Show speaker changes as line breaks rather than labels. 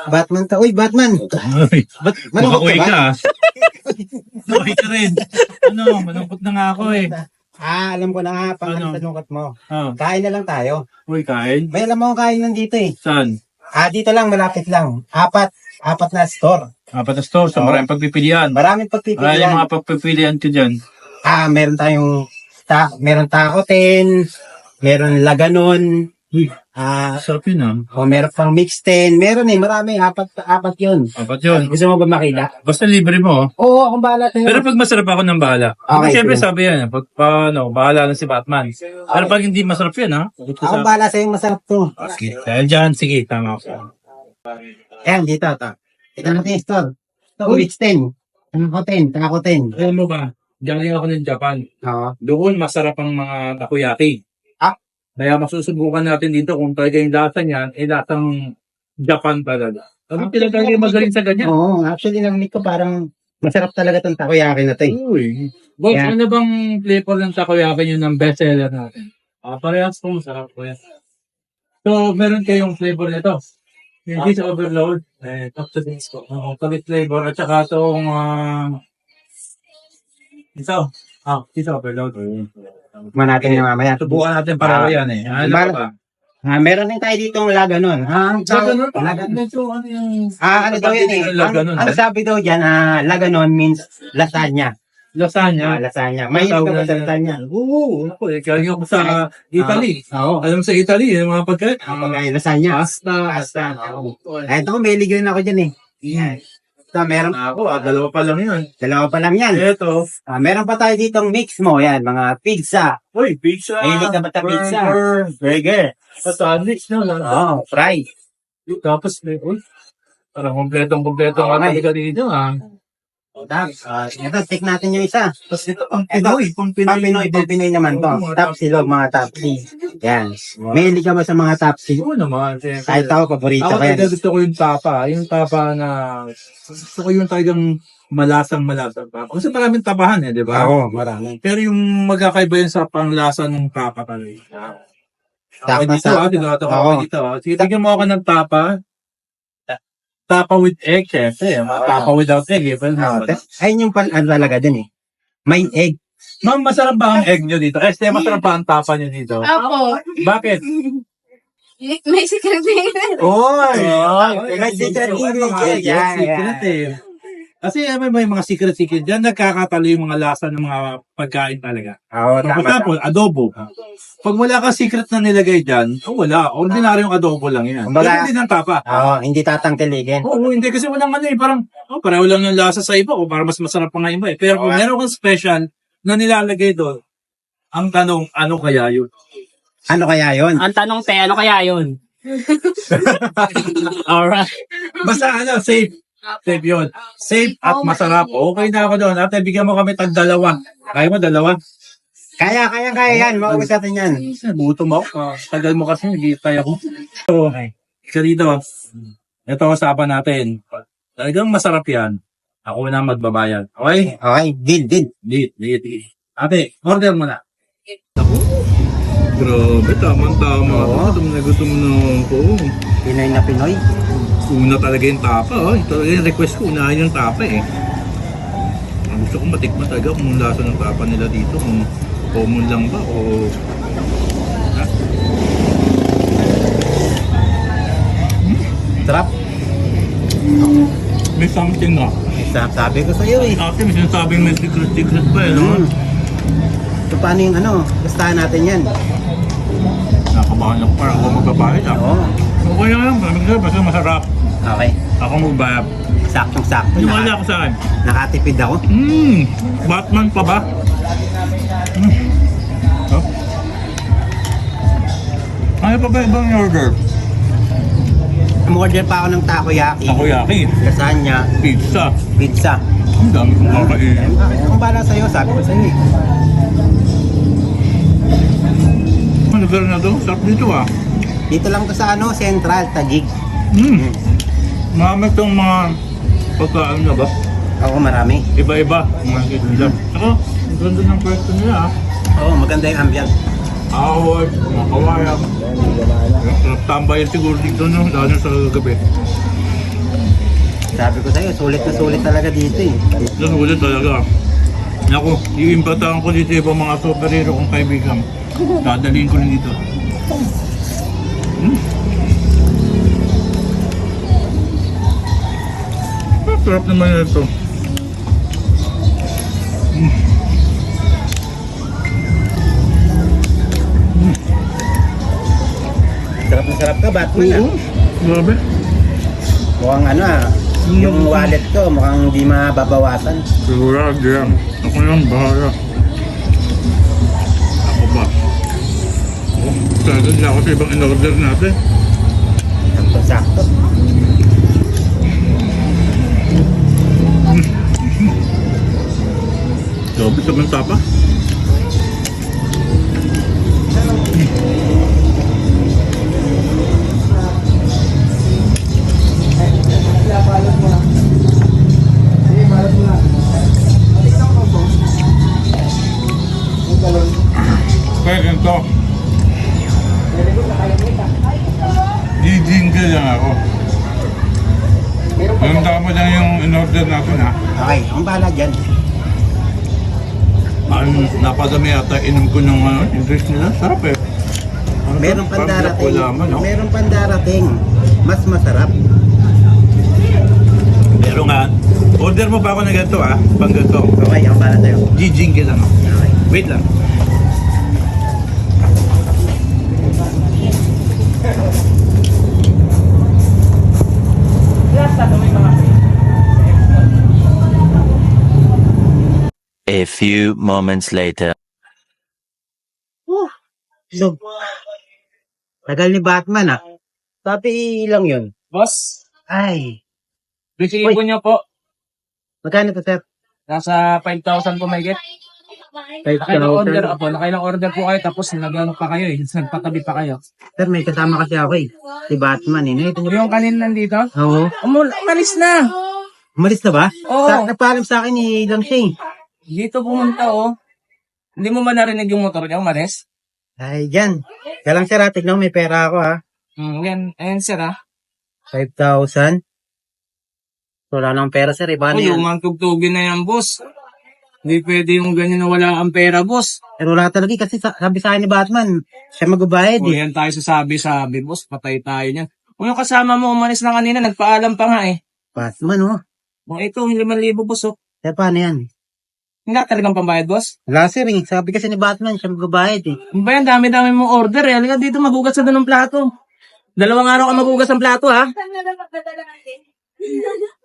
Batman ka. Uy, Batman!
Uy, ba't
Malungkot
makakuwi
ka ba?
ka? Uy ka rin. Malungkot na nga ako eh.
Alam ko na nga,
Ano?
pangalungkot mo.
Oh.
Kain na lang tayo.
Uy, kain?
May alam mo kung kain nandito eh.
Saan?
Dito lang, malapit lang. Apat na store.
Apat na store, so
Oo.
maraming pagpipilian.
Maraming
Ano yung
pagpipilian.
mga pagpipilian ko dyan?
Meron tayong, meron takoten, meron laganon,
Uy, sarap yun ah.
meron pang mix 10, meron marami, apat yun.
Apat yun.
Gusto mo ba makita?
Basta libre mo.
Oo, akong bahala sa'yo.
Pero pag masarap ako ng bahala.
Okay,
Siyempre
sige.
sabi yan, pag bahala na si Batman. Pero pag hindi masarap yan ha.
Akong bahala sa'yo, masarap to.
Okay. Dahil dyan, sige, tama ako.
Ayan, dito, ito. Ito natin yung store. Ito, mix 10. Takoten.
Alam mo ba, galing ako ng Japan.
Oo.
Doon masarap ang mga takoyaki.
Ah?
Kaya masusubukan natin dito kung talaga yung lasa niyan, lasang Japan talaga. Ano talaga yung magaling sa ganyan?
Oo, actually, narinig ko parang masarap talaga itong takoyaki na to eh.
Uy. Boss,
Yeah.
ano bang flavor ng takoyaki nyo ng bestseller natin? Parehas po, masarap po yan. So, meron kayong flavor nito. Yung cheese overload. Top to this po. Chocolate flavor. At saka itong, cheese overload.
Tikman natin yung mamaya.
Subukan natin para yan eh. Ano
Mal-
ba?
Meron din tayo dito ng laganon.
Laganon?
Laganon.
Medyo ano yung...
Ano daw yan eh.
Laganon.
Ang sabi daw dyan, laganon means lasagna.
Lasagna.
Lasagna. May ka ba sa lasagna?
Oo. Ako eh. Galing ako sa Italy.
Oo.
Alam mo sa Italy, yung mga pagkain.
Kapag lasagna.
Pasta.
Ito ko, may ligyan ako dyan eh. Yan. Ito, meron.
Ako, dalawa pa lang yun.
Dalawa pa lang yan.
Ito.
Meron pa tayo ditong mix mo. Yan, mga pizza.
Uy, pizza.
Mahilig ka ba sa pizza?
Burger. Sandwich na lang.
Fry.
Tapos, uy. Parang kompletong
Okay.
talaga dito ah.
Tapos, ito, take natin yung isa.
Tapos ito, pang
Pang-Pinoy naman to. Top silog, mga top C. Yan. Mahilig ka ba sa mga top C?
Oo naman, siyempre.
Kahit ako, paborito
Ako
ko yan.
talaga gusto ko yung tapa. Yung tapa na, gusto ko yung talagang malasang tapa. Kasi maraming tapahan eh, di ba?
Oo, marami.
Pero yung magkakaiba yun sa panglasa ng tapa talaga. Okay, dito
Tapa.
dito
Oo.
dito. Sige, tignan mo ako ng tapa. Tapa with egg, syempre. Tapa without egg, eh. Well,
Ayun yung talaga din eh. May egg.
Ma'am, masarap ba ang egg nyo dito? Este, masarap ba ang tapa nyo dito?
Opo.
Bakit?
May secret na
Oy!
May secret ingredient.
Secret eh. Kasi may mga secret dyan, nagkakatalo yung mga lasa ng mga pagkain talaga.
Oo,
For example, adobo. Pag wala ka secret na nilagay dyan, wala. Ordinaryong adobo lang yan.
Kumbaga-
Pero hindi ng tapa.
Oo, hindi tatangkiligin.
Oo, hindi kasi walang ano eh, parang pareho lang ng lasa sa iba o para mas masarap pa nga iba eh. Pero kung meron kang special na nilalagay doon, ang tanong, ano kaya yun?
Ano kaya yun?
Ang tanong te, ano kaya yun?
Alright. Basta safe. Safe yun. Safe at masarap. Okay na ako doon. Ate, bigyan mo kami tag-dalawa. Kaya mo, dalawa?
Kaya yan. Maubos natin yan.
Butom ako. Tagal mo kasi, nag-iitay ako. So, isa dito. Ito usapan natin. Talagang masarap yan. Ako na magbabayad. Okay?
Okay, deal.
Di. Ate, order mo na. Grabe, tama-tama.
Oo.
Gutom na ako.
Pinoy na Pinoy.
Una talaga yung tapa. Ito yung request ko, unahin yung tapa eh. Ang gusto ko matikman talaga kung lasa ng tapa nila dito. Kung common lang ba o... Ha?
Sarap.
May something na.
Sabi ko sa'yo eh.
Ate, may sinasabing may secret pa eh, no?
So, paano yung gustahan natin yan?
Nakabahan ako para ako magbabayad ah.
Oo.
Okay na lang, basta masarap.
Okay.
Ako magbayad.
Saktong-sakto.
Wala ako sa akin.
Nakatipid ako.
Batman pa ba? Oh. Ano pa ba ibang order?
Umorder pa ako ng takoyaki.
Takoyaki,
Lasagna.
pizza.
Pizza.
Ang dami kong kakainin.
Kung bala sa'yo, sabi ko sa'yo eh.
Ano lugar na to? Sarap dito ah.
Dito lang to sa Central, Taguig.
Marami itong mga pagkaan na ba?
Oo, marami.
Iba-iba. Mga nila. Saka, ang ganda ng pwesto nila ah.
Oo, maganda yung ambience.
Award, mga kawayan. Tambayan siguro dito no, lalo sa gabi.
Sabi ko sa'yo, sulit na sulit talaga dito eh.
Doon ulit talaga. Naku, iimbatahan ko dito yung mga superhero kong kaibigan. Dadalhin ko rin dito. Sarap naman ito.
Sarap na sarap ka, Batman ah.
Grabe.
Mukhang ano ah, yung wallet ko mukhang di mababawasan.
Sigurado yan. Ako lang bahala. Ako ba? Sana hindi ako sa ibang in-order natin.
Sakto-sakto.
Grabe sa mga tapa. Kaya ganito. Di-jingle lang ako. Ganda mo lang yung in-order natin ha.
Okay, ang bahala dyan.
Napadami yata inom ko ng yung drink nila. Sarap eh. Ano
Meron
to?
pang
Parang
darating.
laman, no?
Meron pang darating. Mas masarap.
Pero nga, order mo pa ako na ganito ha. Pang ganito.
Okay, ang bahala sa'yo.
Di-jingle lang ako.
Okay.
Wait lang.
A few moments later.
So, tagal ni Batman ah. Sabi lang yun.
Boss,
Ay,
bisihin ko niyo po.
magkano to, sir?
Nasa 5,000 po may get. Nakailang order po. Nakailang order po kayo tapos nagano pa kayo eh. Nagpatabi pa kayo.
Sir, may kasama kasi ako eh. Si Batman eh. Nakita niyo
Yung kanin nandito?
Oo.
Umalis na.
Umalis na ba?
Oo.
Nagpaalam sa akin eh, lang siya eh.
Dito pumunta oh. Hindi mo ba narinig yung motor niya umalis?
Ay, dyan. Kaya lang sir, tignan mo, may pera ako ha.
Ayan sir ah.
5,000. Wala nang pera sir, iba na
Uy,
yan.
umangtugtugin na yan boss. Hindi pwede yung ganyan na wala ang pera boss.
Pero wala talaga kasi sabi sa akin ni Batman, siya magbabayad
O
eh.
yan tayo sa sabi boss. Patay tayo niyan. Kung yung kasama mo umalis na kanina, nagpaalam pa nga eh.
Batman oh.
O ito, 5,000 boss oh.
Kaya paano yan?
Hindi talagang pambayad boss.
Wala sir eh. Sabi kasi ni Batman, siya magbabayad eh.
Ano ba yan? Dami-dami mong order eh. Halika dito, magugas sa doon ng plato. 2 araw ka magugas ng plato ha.
Saan na lang magdadala natin?